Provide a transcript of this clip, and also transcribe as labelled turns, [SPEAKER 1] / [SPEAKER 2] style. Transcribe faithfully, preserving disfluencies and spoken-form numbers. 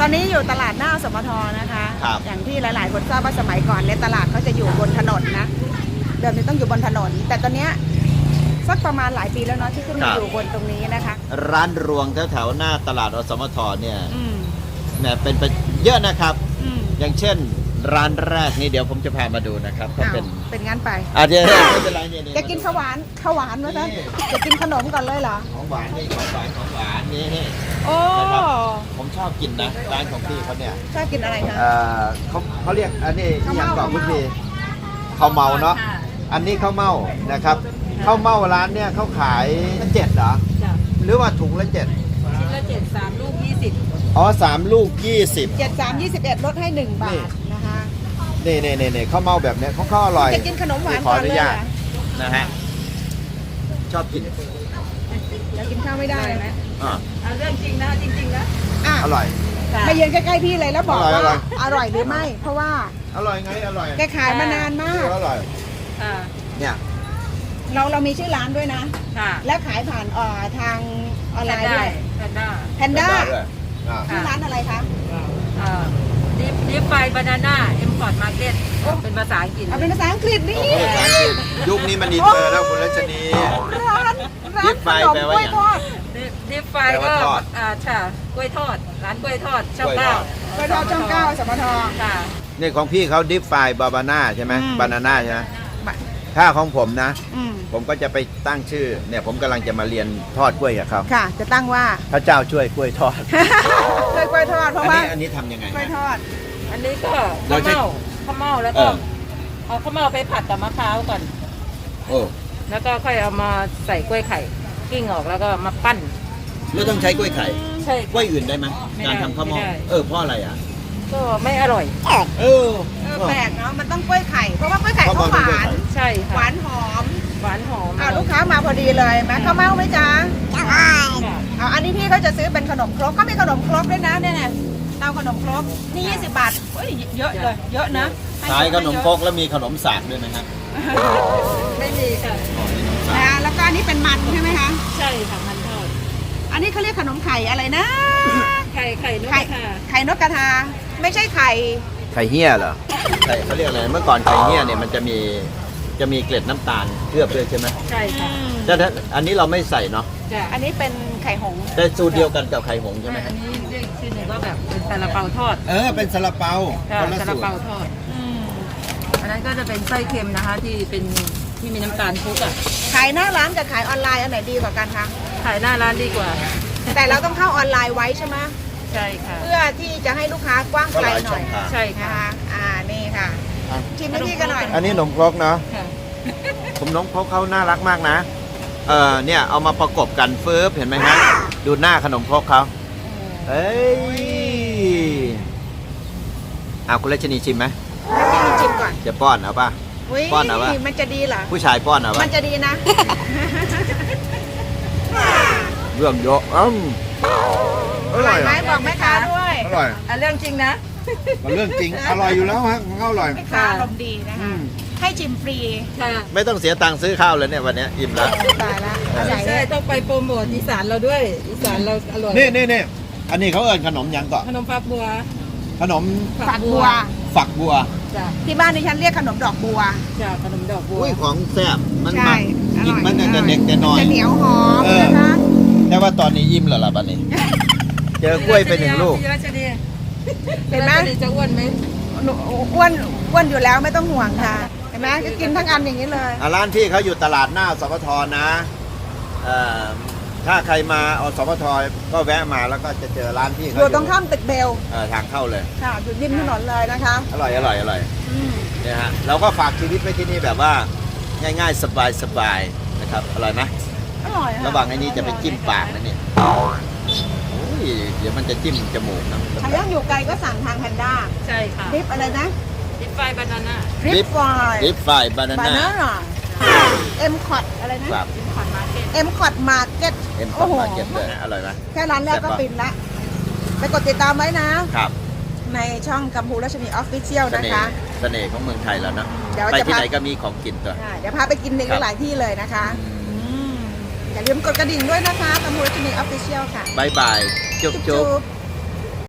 [SPEAKER 1] ตอนนี้อยู่ตลาดหน้าสมทนะคะ อย่างที่หลายๆคนทราบว่าสมัยก่อนเนี่ยตลาดเขาจะอยู่บนถนนนะเดิมนี้ต้องอยู่บนถนนแต่ตอนเนี้ยสักประมาณหลายปีแล้วเนาะที่ขึ้นมาอยู่บนตรงนี้นะคะ
[SPEAKER 2] ร้านรวงแถวๆหน้าตลาดอสมทเนี่ยเนี่ยเป็นไปเยอะนะครับอย่างเช่นร้านแรกนี่เดี๋ยวผมจะพามาดูนะครับก็เป็น
[SPEAKER 1] เป็นงั้นไป
[SPEAKER 2] อ่ะเดี๋ยวไม่เป็นไรเนี่ย
[SPEAKER 1] จะกินข้าวหวานข้าวหวานไหมจ๊ะจะกินขนมก่อนเลยเหรอ
[SPEAKER 2] ของหวานนี่ของหวานของหวานนี่
[SPEAKER 1] โอ้
[SPEAKER 2] ผมชอบกินนะร้านของพี่เขาเนี่ย
[SPEAKER 1] ชอบกินอะไรคะ
[SPEAKER 2] เออเขาเขาเรียกอันนี้ที่ยังก่อนคุณพี่ข้าวเมาเนาะอันนี้ข้าวเมานะครับข้าวเมาร้านเนี่ยเขาขายเจ็ดเหรอหรือว่าถุงละเจ็ด
[SPEAKER 3] ชิ้นละเจ็ดสามลูกยี่สิบ
[SPEAKER 2] อ๋อสามลูกยี่สิบ
[SPEAKER 1] เจ็ดสามยี่สิบเอ็ดลดให้หนึ่งบาทนะคะ
[SPEAKER 2] นี่นี่นี่นี่ข้าวเมาแบบเนี้ยเขาข้าวอร่อย
[SPEAKER 1] จะกินขนมหวาน
[SPEAKER 2] ขออนุญาตนะฮะชอบกิน
[SPEAKER 1] แล้วกินข้าวไม่ได้ไหม
[SPEAKER 3] อ่าเรื่องจริงนะจริงๆนะ
[SPEAKER 2] อร่อย
[SPEAKER 1] มาเยือนใกล้ๆพี่เลยแล้วบอกว่าอร่อยหรือไม่เพราะว่า
[SPEAKER 2] อร่อยไงอร่อย
[SPEAKER 1] แกขายมานานมาก
[SPEAKER 2] อร่อยเนี่ย
[SPEAKER 1] เราเรามีชื่อร้านด้วยนะและขายผ่านทางออนไลน์ด้วย
[SPEAKER 3] แพนด้า
[SPEAKER 1] แพนด้าชื่อร้านอะไรคะ
[SPEAKER 3] ดิฟดิฟไฟบานาน่าเอ็มพอร์ตมาร์เก็ตเป็นภาษาอังกฤษ
[SPEAKER 1] เป็นภาษาอังกฤษนี่
[SPEAKER 2] ยุคนี้มันอินเตอร์แล้วคุณรัชนี
[SPEAKER 1] ร้านร้านขนมกล้วยทอด
[SPEAKER 3] ดิฟไฟก็อ่าใช่กล้วยทอดร้านกล้วยทอดช่องเก้าก
[SPEAKER 1] ล้วยทอดช่องเก้าสมท
[SPEAKER 3] ค่ะ
[SPEAKER 2] นี่ของพี่เขาดิฟไฟบาบาน่าใช่ไหมบานาน่าใช่ไหมถ้าของผมนะผมก็จะไปตั้งชื่อเนี่ยผมกำลังจะมาเรียนทอดกล้วยกับเขา
[SPEAKER 1] ค่ะจะตั้งว่า
[SPEAKER 2] พระเจ้าช่วยกล้วยทอด
[SPEAKER 1] ช่วยกล้วยทอดเพราะว่า
[SPEAKER 2] อันนี้ทำยังไง
[SPEAKER 1] กล้วยทอด
[SPEAKER 3] อันนี้ก็ข้าวเม่าข้าวเม่าแล้วก็เอาข้าวเม่าไปผัดกับมะพร้าวก่อน
[SPEAKER 2] โอ้
[SPEAKER 3] แล้วก็ค่อยเอามาใส่กล้วยไข่กิ้งออกแล้วก็มาปั้น
[SPEAKER 2] ไม่ต้องใช้กล้วยไข่
[SPEAKER 3] ใช่
[SPEAKER 2] กล้วยอื่นได้ไหมการทำข้าวเม่าเออเพราะอะไรอ่ะ
[SPEAKER 3] ก็ไม่อร่อย
[SPEAKER 2] เออ
[SPEAKER 1] แปลกเนาะมันต้องกล้วยไข่เพราะว่ากล้วยไข่เขาหวาน
[SPEAKER 3] ใช่
[SPEAKER 1] หวานหอม
[SPEAKER 3] หวานหอม
[SPEAKER 1] อ่าลูกค้ามาพอดีเลยไหมข้าวเม่าไหมจ๊ะใช่อ่าอันนี้พี่เขาจะซื้อเป็นขนมครกเขามีขนมครกด้วยนะเนี่ยเนี่ยเตาขนมครกนี่ยี่สิบบาทเฮ้ยเยอะเลยเยอะนะ
[SPEAKER 2] ขายขนมครกแล้วมีขนมสากด้วยไหมครับ
[SPEAKER 3] ไม่มีค่ะ
[SPEAKER 1] นะแล้วก็อันนี้เป็นมันใช่ไหมคะ
[SPEAKER 3] ใช่ค่ะมันทอด
[SPEAKER 1] อันนี้เขาเรียกขนมไข่อะไรนะ
[SPEAKER 3] ไข่ไข่นกกระทา
[SPEAKER 1] ไข่นกกระทาไม่ใช่ไข่
[SPEAKER 2] ไข่เหี้ยเหรอไข่เขาเรียกอะไรเมื่อก่อนไข่เหี้ยเนี่ยมันจะมีจะมีเกล็ดน้ำตาลเคลือบด้วยใช่ไหม
[SPEAKER 3] ใช่ค่ะ
[SPEAKER 2] แต่อันนี้เราไม่ใส่เนาะ
[SPEAKER 1] อันนี้เป็นไข่หง
[SPEAKER 2] แต่สูตรเดียวกันกับไข่หงใช่ไหม
[SPEAKER 3] อันนี้เรียกชื่อหนึ่งว่าแบบเป็นซาลาเปาทอด
[SPEAKER 2] เออเป็นซาลาเปา
[SPEAKER 3] ซาลาเปาทอดอันนั้นก็จะเป็นไส้เค็มนะคะที่เป็นที่มีน้ำตาลคลุกอ่ะ
[SPEAKER 1] ขายหน้าร้านกับขายออนไลน์อันไหนดีกว่ากันคะ
[SPEAKER 3] ขายหน้าร้านดีกว่า
[SPEAKER 1] แต่เราต้องเข้าออนไลน์ไว้ใช่ไหม
[SPEAKER 3] ใช่ค่ะ
[SPEAKER 1] เพื่อที่จะให้ลูกค้ากว้างไกลหน่อย
[SPEAKER 3] ใช่ค่ะ
[SPEAKER 1] อ่านี่ค่ะชิมให้พี่กันหน่อย
[SPEAKER 2] อันนี้ขนมครกเนาะผมน้องครกเขาน่ารักมากนะเออเนี่ยเอามาประกบกันเฟิร์ฟเห็นไหมฮะดูหน้าขนมครกเขาเอ้ยเอาคุณรัชนีชิมไหม
[SPEAKER 1] ชิมก่อน
[SPEAKER 2] จะป้อนเอาป่ะป้อนเอาป่ะ
[SPEAKER 1] มันจะดีเหรอ
[SPEAKER 2] ผู้ชายป้อนเอาป่ะ
[SPEAKER 1] มันจะดีนะ
[SPEAKER 2] เรื่องเยอะอืม
[SPEAKER 1] อร่อยไหมบอกแม่ค้าด้วย
[SPEAKER 2] อร่อย
[SPEAKER 3] เรื่องจริงนะ
[SPEAKER 2] มันเรื่องจริงอร่อยอยู่แล้วฮะของเขาอร่อย
[SPEAKER 1] แม่ค้าอารมณ์ดีนะคะให้ชิมฟรี
[SPEAKER 2] ไม่ต้องเสียตังค์ซื้อข้าวเลยเนี่ยวันนี้อิ่มแล้ว
[SPEAKER 1] ตายแล้ว
[SPEAKER 3] ใช่ต้องไปโปรโมทอีสานเราด้วยอีสานเราอร่อย
[SPEAKER 2] นี่นี่นี่อันนี้เขาเอิ้นขนมยังก่อน
[SPEAKER 3] ขนมฝักบัว
[SPEAKER 2] ขนม
[SPEAKER 1] ฝักบัว
[SPEAKER 2] ฝักบัว
[SPEAKER 1] ที่บ้านดิฉันเรียกขนมดอกบัว
[SPEAKER 3] จ้ะขนมดอกบัว
[SPEAKER 2] อุ้ยของแซ่บมันมันกินมันจะเด็กจะน้อย
[SPEAKER 1] จะเหนียวหอมนะคะ
[SPEAKER 2] แต่ว่าตอนนี้อิ่มแล้วล่ะบัดนี้เจอกล้วยไปหนึ่งลูก
[SPEAKER 1] เห็นไหม
[SPEAKER 3] จะอ้วนไหม
[SPEAKER 1] อ้วนอ้วนอยู่แล้วไม่ต้องห่วงค่ะเห็นไหมก็กินทั้งอันอย่างนี้เลย
[SPEAKER 2] ร้านที่เขาอยู่ตลาดหน้าสมทนะถ้าใครมาอสมทก็แวะมาแล้วก็จะเจอร้านที่เขา
[SPEAKER 1] อยู่ตรงข้ามตึกเบล
[SPEAKER 2] ทางเข้าเลย
[SPEAKER 1] ค่ะอยู่ริมถนนเลยนะคะ
[SPEAKER 2] อร่อยอร่อยอร่อยเนี่ยฮะเราก็ฝากชีวิตไว้ที่นี่แบบว่าง่ายๆสบายๆนะครับอร่อยไหม
[SPEAKER 1] อร่อย
[SPEAKER 2] ระหว่างไอ้นี้จะไปจิ้มปากนะเนี่ยเดี๋ยวมันจะจิ้มจมูกนะ
[SPEAKER 1] ถ้ายังอยู่ไกลก็สั่งทางแพนด้า
[SPEAKER 3] ใช่ค่ะ
[SPEAKER 1] ดริปอะไรนะ
[SPEAKER 3] ดริปไฟบานาน่า
[SPEAKER 1] ดริปไฟ
[SPEAKER 2] ดริปไฟบานาน่า
[SPEAKER 1] เอ็มคอร์ดอะไรนะ
[SPEAKER 3] เอ็มคอร์ดมาร์เก็ต
[SPEAKER 1] เอ็มคอร์ดมาร์เก็ต
[SPEAKER 2] เอ็มคอร์ดมาร์เก็ตเลยอร่อยไหม
[SPEAKER 1] แค่ร้านแรกก็ปินละไปกดติดตามไว้นะครับในช่องกัมพูรัชนีออฟฟิเชียลนะคะ
[SPEAKER 2] เสน่ห์ของเมืองไทยแล้วนะไปที่ไหนก็มีของกินตัว
[SPEAKER 1] เดี๋ยวพาไปกินในหลายที่เลยนะคะอย่าลืมกดกระดิ่งด้วยนะคะกัมพูรัชนีออฟฟิเชียลค่ะ
[SPEAKER 2] บายบายจุ๊บจุ๊บ